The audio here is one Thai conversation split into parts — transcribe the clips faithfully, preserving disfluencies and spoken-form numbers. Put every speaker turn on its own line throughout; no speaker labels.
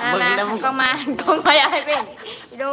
มามาหันกล้องมาหันกล้องมาอยากให้เป็นอีโด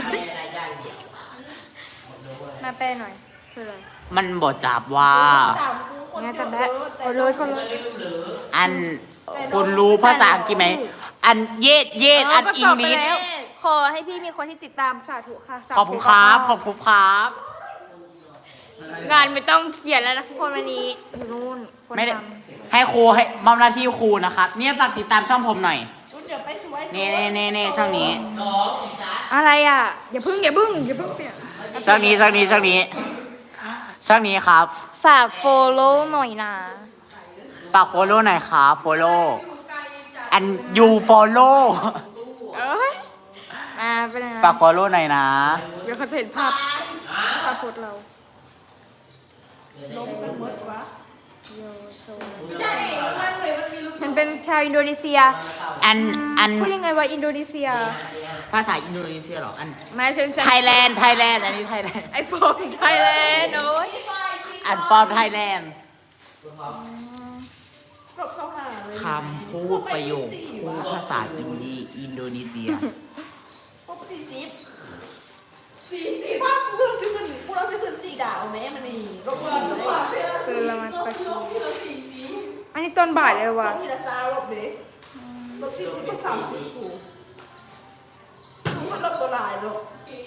มาแปลหน่อยคืออะไร
มันบอกจับว่า
งั้นจำได้คนเลยคนเลย
อันคุณรู้ภาษาอังกฤษไหมอันเย็ดเย็ดอันอังกฤษ
ขอให้พี่มีคนที่ติดตามสาธุค่ะ
ขอบคุณครับขอบคุณครับ
งานไม่ต้องเขียนแล้วนะทุกคนวันนี้อยู่นู่นคน
ไม่ได้
ท
ให้ครูให้มอบหน้าที่ครูนะครับเนี่ยฝากติดตามช่องผมหน่อยเน่เน่เน่เน่ช่องนี้
ำอะไรอ่ะอย่าพึ่งอย่าพึ่งอย่าพึ่งเปลี่ยน
ช่องนี้ช่องนี้ช่องนี้ช่องนี้ครับ
ฝากโฟโล่หน่อยนะ
ฝากโฟโล่หน่อยครับโฟโล่อันยูโฟโล่
เอ้ยมาเป็นไง
ฝากโฟโล่หน่อยนะ
เดี๋ยวเขาจะเห็นภาพภาพโพสเรา
ลมกันหมดวะ
โยโซ
ใช่มันเลยมันมีลูก
ฉันเป็นชาวอินโดนีเซีย
อันอัน
พูดยังไงว่าอินโดนีเซีย
ภาษาอินโดนีเซียเหรออัน
ไม่ฉันฉัน
ไทยแลนด์ไทยแลนด์อันนี้ไทยแลนด์
ไอโฟนไทยแลนด์โอ้ย
อันฟอร์มไทยแลนด์
ครบสองหาเลย
คำพูดประโยคพูดภาษาอินดีอินโดนีเซีย
ครบสี่สิบสี่สิบบ้านกูเราซื้อมันกูเราซื้อมันสี่ดาวแม่มันนี่ลบเงินเลย
ซื้อละมันปะ
ลบทีละสี่นี้
อันนี้ต้นบ่ายเลย
ล
ว่ะ
บทีละซาวลบเด็กลบสี่สิบเป็นสามสิบกูซื้อมันลบตัวลายลบ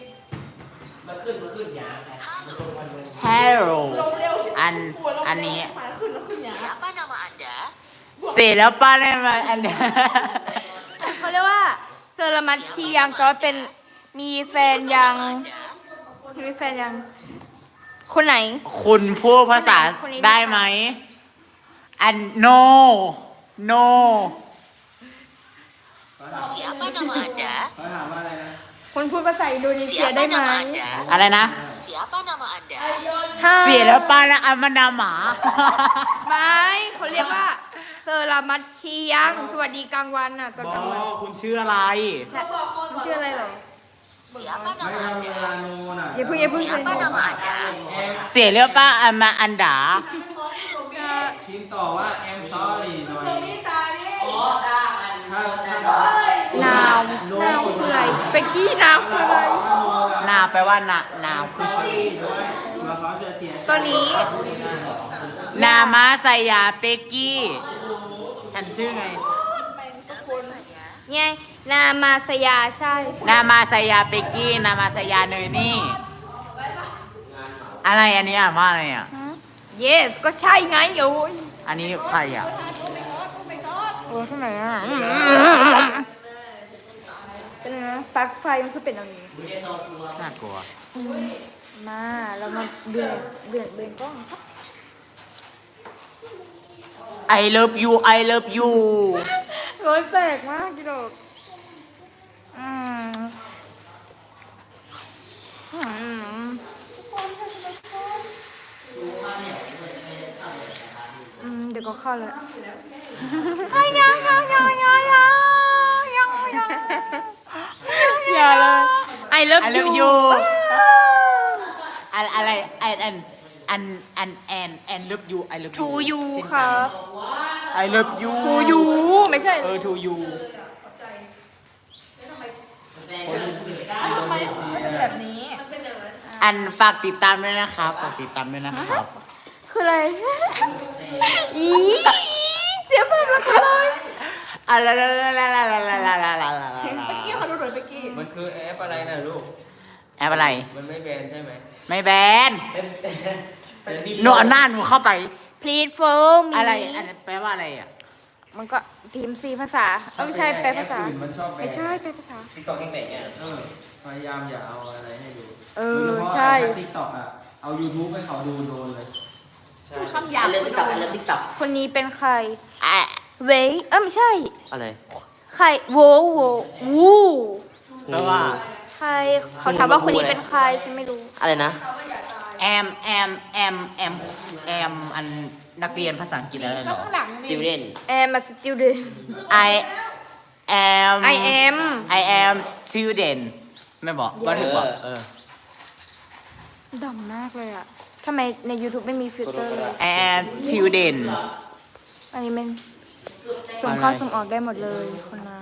ฮัลโหล
ลงเร็วสิ
อัน
กลัวลบ
อันนี้
หมายขึ้นแล้วขึ้นอย่าง
Siapa nama Anda?
เสร็จแล้วป้าได้มาอันเนี้ย
เขาเรียกว่าเซอร์มัตชียังก็เป็นมีแฟนยัง มีแฟนยัง คนไหน
คุณพูดภาษา
คนนี้
ได้ไหม อัน no no
Siapa nama Anda?
คนพูดภาษาอินโดนีเซีย
Siapa
ได้ไหม
nama Anda?
อะไรนะ
Siapa nama Anda?
เสียแล้วป้าแล้วอันมันดาหมา
ไม่เขาเรียกว่าเซอร์มัตชียัง สวัสดีกลางวันน่ะตอน
บ
กลางวัน
อคุณชื่ออะไร
น่ะมันชื่ออะไรเหรอ
Siapa nama Anda?
อย่าเพิ่งอย่าเพิ่ง
Siapa nama Anda?
เสียแล้วป้าอันมาอันดา
พิมพ์ต่อว่า I'm sorry หน่อย
นี่ตาดิ
ถ้าถ้า
นาว นาวคืออะไรเบกกี้นาวคืออะไร
นาแปลว่านานาคือชื่อ
เราขอเสียเสียง
ตัวนี้
นามาสยาเปกกี้ ฉันชื่อไง
ไงนามาสยาใช่
นามาสยาเปกกี้ นามาสยาเนยนี่ อะไรอันนี้อ่านว่าอะไรอ่ะ
yes ก็ใช่ไงโอ้ย
อันนี้ใครอ่ะ
โอ้เท่าไหร่อ่ะเป็นไงนะปลั๊กไฟมันคือเป็นอย่างนี้
น่ากลัว
มาเรามาเบื่อเบื่อเบื่อกล้อง
I love you I love you
โอ้ยแปลกมากจิโดกอืมอืมอืมเดี๋ยวก็เข้าแล้วยังยังยังยังยังยังยังอย่าเลย I love
I
you
love you อันอะไรอันอันอันอันแอนแอน love you I love you
to you ครับ
I love you
to you ไม่ใช่
เออ to you
ทำไมของฉันเป็นแบบนี้
อันฝากติดตามด้วยนะครับ ฝากติดตามด้วยนะครับ
คืออะไร อีเสียบมันคืออะไร
อะไรละละละละละละละละละละ
เมื่อกี้เขาดูหน่อยเมื่อกี้
มันคือแอปอะไรนะลูก
แอปอะไร
มันไม่แบนใช่ไหม
ไม่แบน
แต่นี่
หนูเอาหน้าหนูเข้าไป
please follow me
อะไร อันนั้นแปลว่าอะไรอ่ะ
มันก็พิมพ์ซีภาษาเอ้าไม่ใช่แปลภาษา
แอปอื่นมันชอบแบน
ไม่ใช่แปลภาษา
ติ๊กต็อกยังแบนอ่ะเออพยายามอย่าเอาอะไรให้ดู
เออ
โดยเฉพาะ
ใช่
ติ๊กต็อกอ่ะ เอา YouTube ให้เขาดูโดนเลย
พูดคำหยาบเลยติ๊กต็อกเลยติ๊กต็อก
คนนี้เป็นใคร
อ่ะ
เว้ยเออไม่ใช่
อะไร
ใครโวโววู
แปลว่า
ใครเขาถามว่าคนนี้เป็นใครฉันไม่รู้
อะไรนะ
แอมแอมแอมแอมแอมอันนักเรียนภาษาอังกฤษอะไรเหรอ
student
am a student
I am
I am
I am student ไม่บอกก็ถือว่าเออ
ดำมากเลยอ่ะทำไมใน YouTube ไม่มีฟิลเตอร์เลย
I am student
อันนี้มันส่งเข้าส่งออกได้หมดเลยคนนั้น